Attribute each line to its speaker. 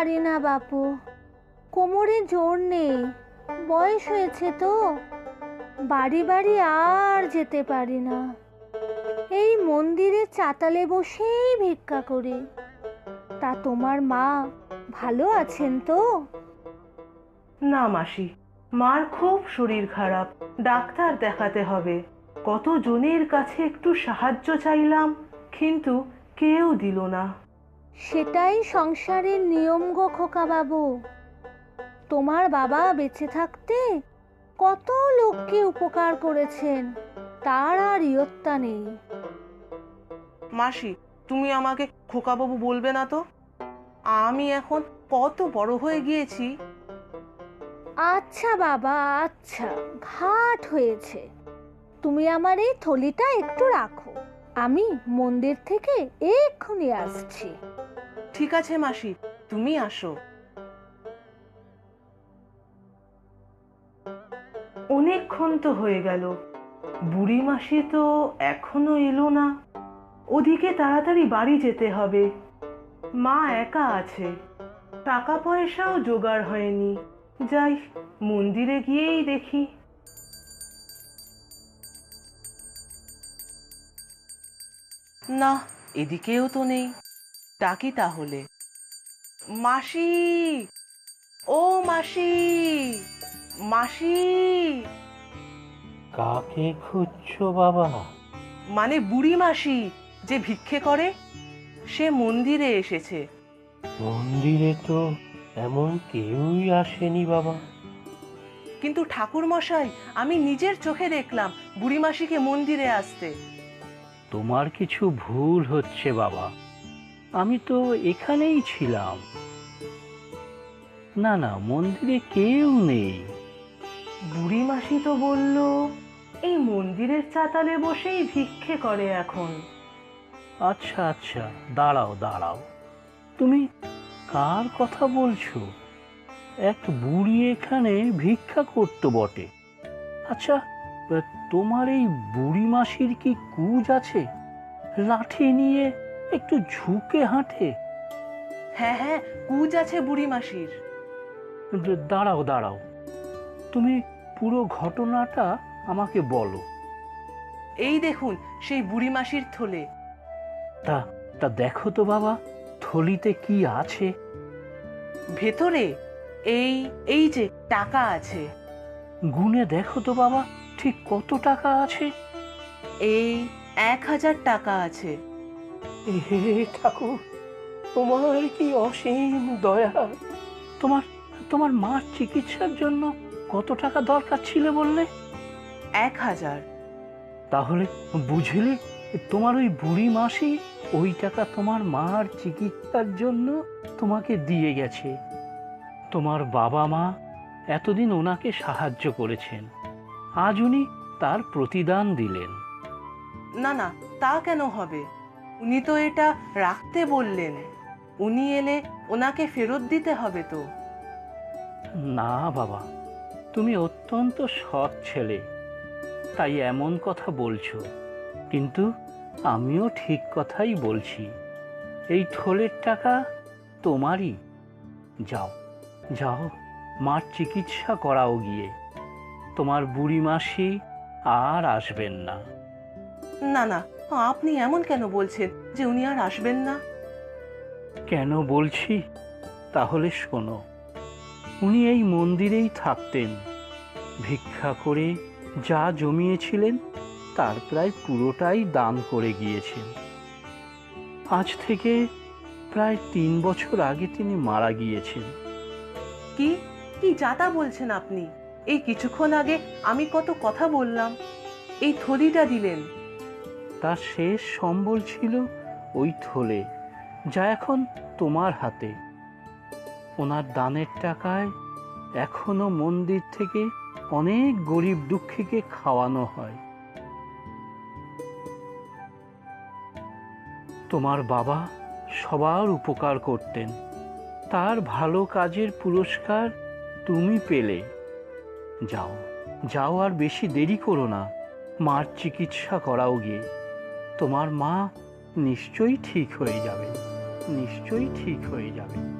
Speaker 1: পারি না বাপু, কোমরে জোর নেই, বয়স হয়েছে তো, বাড়ি বাড়ি আর যেতে পারি না। এই মন্দিরের চাতালে বসেই ভিক্ষা করি। তা তোমার মা ভালো আছেন তো?
Speaker 2: না মাসি, মার খুব শরীর খারাপ, ডাক্তার দেখাতে হবে। কত জনের কাছে একটু সাহায্য চাইলাম, কিন্তু কেউ দিল না।
Speaker 1: সেটাই সংসারের নিয়ম গো খোকা বাবু। তোমার বাবা বেঁচে থাকতে কত লোককে উপকার করেছেন, তার আর ইয়ত্তা নেই।
Speaker 2: মাসি, তুমি আমাকে খোকাবাবু বলবে না তো? আমি এখন কত বড় হয়ে গিয়েছি।
Speaker 1: আচ্ছা বাবা, আচ্ছা, ঘাট হয়েছে। তুমি আমার এই থলিটা একটু রাখো, আমি মন্দির থেকে এক্ষুনি আসছি।
Speaker 2: ঠিক আছে মাসি, তুমি আসো। অনেকক্ষণ তো হয়ে গেল, বুড়ি মাসি তো এখনো এলো না। ওদিকে তাড়াতাড়ি বাড়ি যেতে হবে। মা একা আছে, টাকা পয়সাও জোগাড় হয়নি। যাই, মন্দিরে গিয়েই দেখি। না, এদিকেও তো নেই। ডাকি তাহলে। মাসি, ও মাসি, মাসি।
Speaker 3: কাকে খুঁজছো বাবা?
Speaker 2: মানে বুড়ি মাসি, যে ভিক্ষে করে, সে মন্দিরে এসেছে।
Speaker 3: মন্দিরে তো এমন কেউই আসেনি বাবা।
Speaker 2: কিন্তু ঠাকুর মশাই, আমি নিজের চোখে দেখলাম বুড়ি মাসিকে মন্দিরে আসতে।
Speaker 3: তোমার কিছু ভুল হচ্ছে বাবা, আমি তো এখানেই ছিলাম। না না, মন্দিরে কেউ নেই।
Speaker 2: বুড়ি মাসি তো বলল এই মন্দিরের চাতালে বসেই ভিক্ষে করে এখন।
Speaker 3: আচ্ছা আচ্ছা, দাঁড়াও দাঁড়াও, তুমি কার কথা বলছো? এক বুড়ি এখানে ভিক্ষা করতো বটে। আচ্ছা, তোমার এই বুড়ি মাসির কি কুজ আছে? লাঠি নিয়ে একটু ঝুঁকে হাঁটে।
Speaker 2: হ্যাঁ হ্যাঁ, কুজ আছে বুড়ি মাসির।
Speaker 3: দাঁড়াও দাঁড়াও, তুমি পুরো ঘটনাটা আমাকে বলো।
Speaker 2: এই দেখুন সেই বুড়ি মাসির থলে।
Speaker 3: তা তা দেখো তো বাবা, থলিতে কি আছে?
Speaker 2: ভেতরে এই এই যে টাকা আছে।
Speaker 3: গুনে দেখো তো বাবা, ঠিক কত টাকা আছে?
Speaker 2: এই 1000 টাকা আছে।
Speaker 3: হে ঠাকুর, তোমার কি অসীম দয়া! তোমার তোমার মার চিকিৎসার জন্য কত টাকা দরকার ছিল বললে?
Speaker 2: 1000।
Speaker 3: তাহলে বুঝলে, তোমার ওই বুড়ি মাসি ওই টাকা তোমার মার চিকিৎসার জন্য তোমাকে দিয়ে গেছে। তোমার বাবা মা এতদিন ওনাকে সাহায্য করেছেন, আজ উনি তার প্রতিদান দিলেন।
Speaker 2: না না, তা কেন হবে? উনি তো এটা রাখতে বললেন। উনি এলে ওনাকে ফেরত দিতে হবে তো।
Speaker 3: না বাবা, তুমি অত্যন্ত সৎ ছেলে, তাই এমন কথা বলছো, কিন্তু আমিও ঠিক কথাই বলছি। এই থলের টাকা তোমারই। যাও যাও, মার চিকিৎসা করাও গিয়ে। তোমার বুড়ি মাসি আর আসবেন না।
Speaker 2: না না, আপনি এমন কেন বলছেন যে উনি আর আসবেন না?
Speaker 3: কেন বলছি তাহলে শোনো। উনি এই মন্দিরেই থাকতেন, ভিক্ষা করে যা জমিয়েছিলেন তার প্রায় পুরোটাই দান করে গিয়েছেন। আজ থেকে প্রায় 3 বছর আগে তিনি মারা গিয়েছেন।
Speaker 2: কি কি যাতা বলছেন আপনি? এই কিছুক্ষণ আগে আমি কত কথা বললাম, এই থলিটা দিলেন।
Speaker 3: তার শেষ সম্বল ছিল ওই থলে, যা এখন তোমার হাতে। ওনার দানের টাকায় এখনো মন্দির থেকে অনেক গরিব দুঃখীকে খাওয়ানো হয়। তোমার বাবা সবার উপকার করতেন, তার ভালো কাজের পুরস্কার তুমি পেলে। যাও যাও, আর বেশি দেরি করো না, মার চিকিৎসা করাও গিয়ে। তোমার মা নিশ্চয়ই ঠিক হয়ে যাবে, নিশ্চয়ই ঠিক হয়ে যাবে।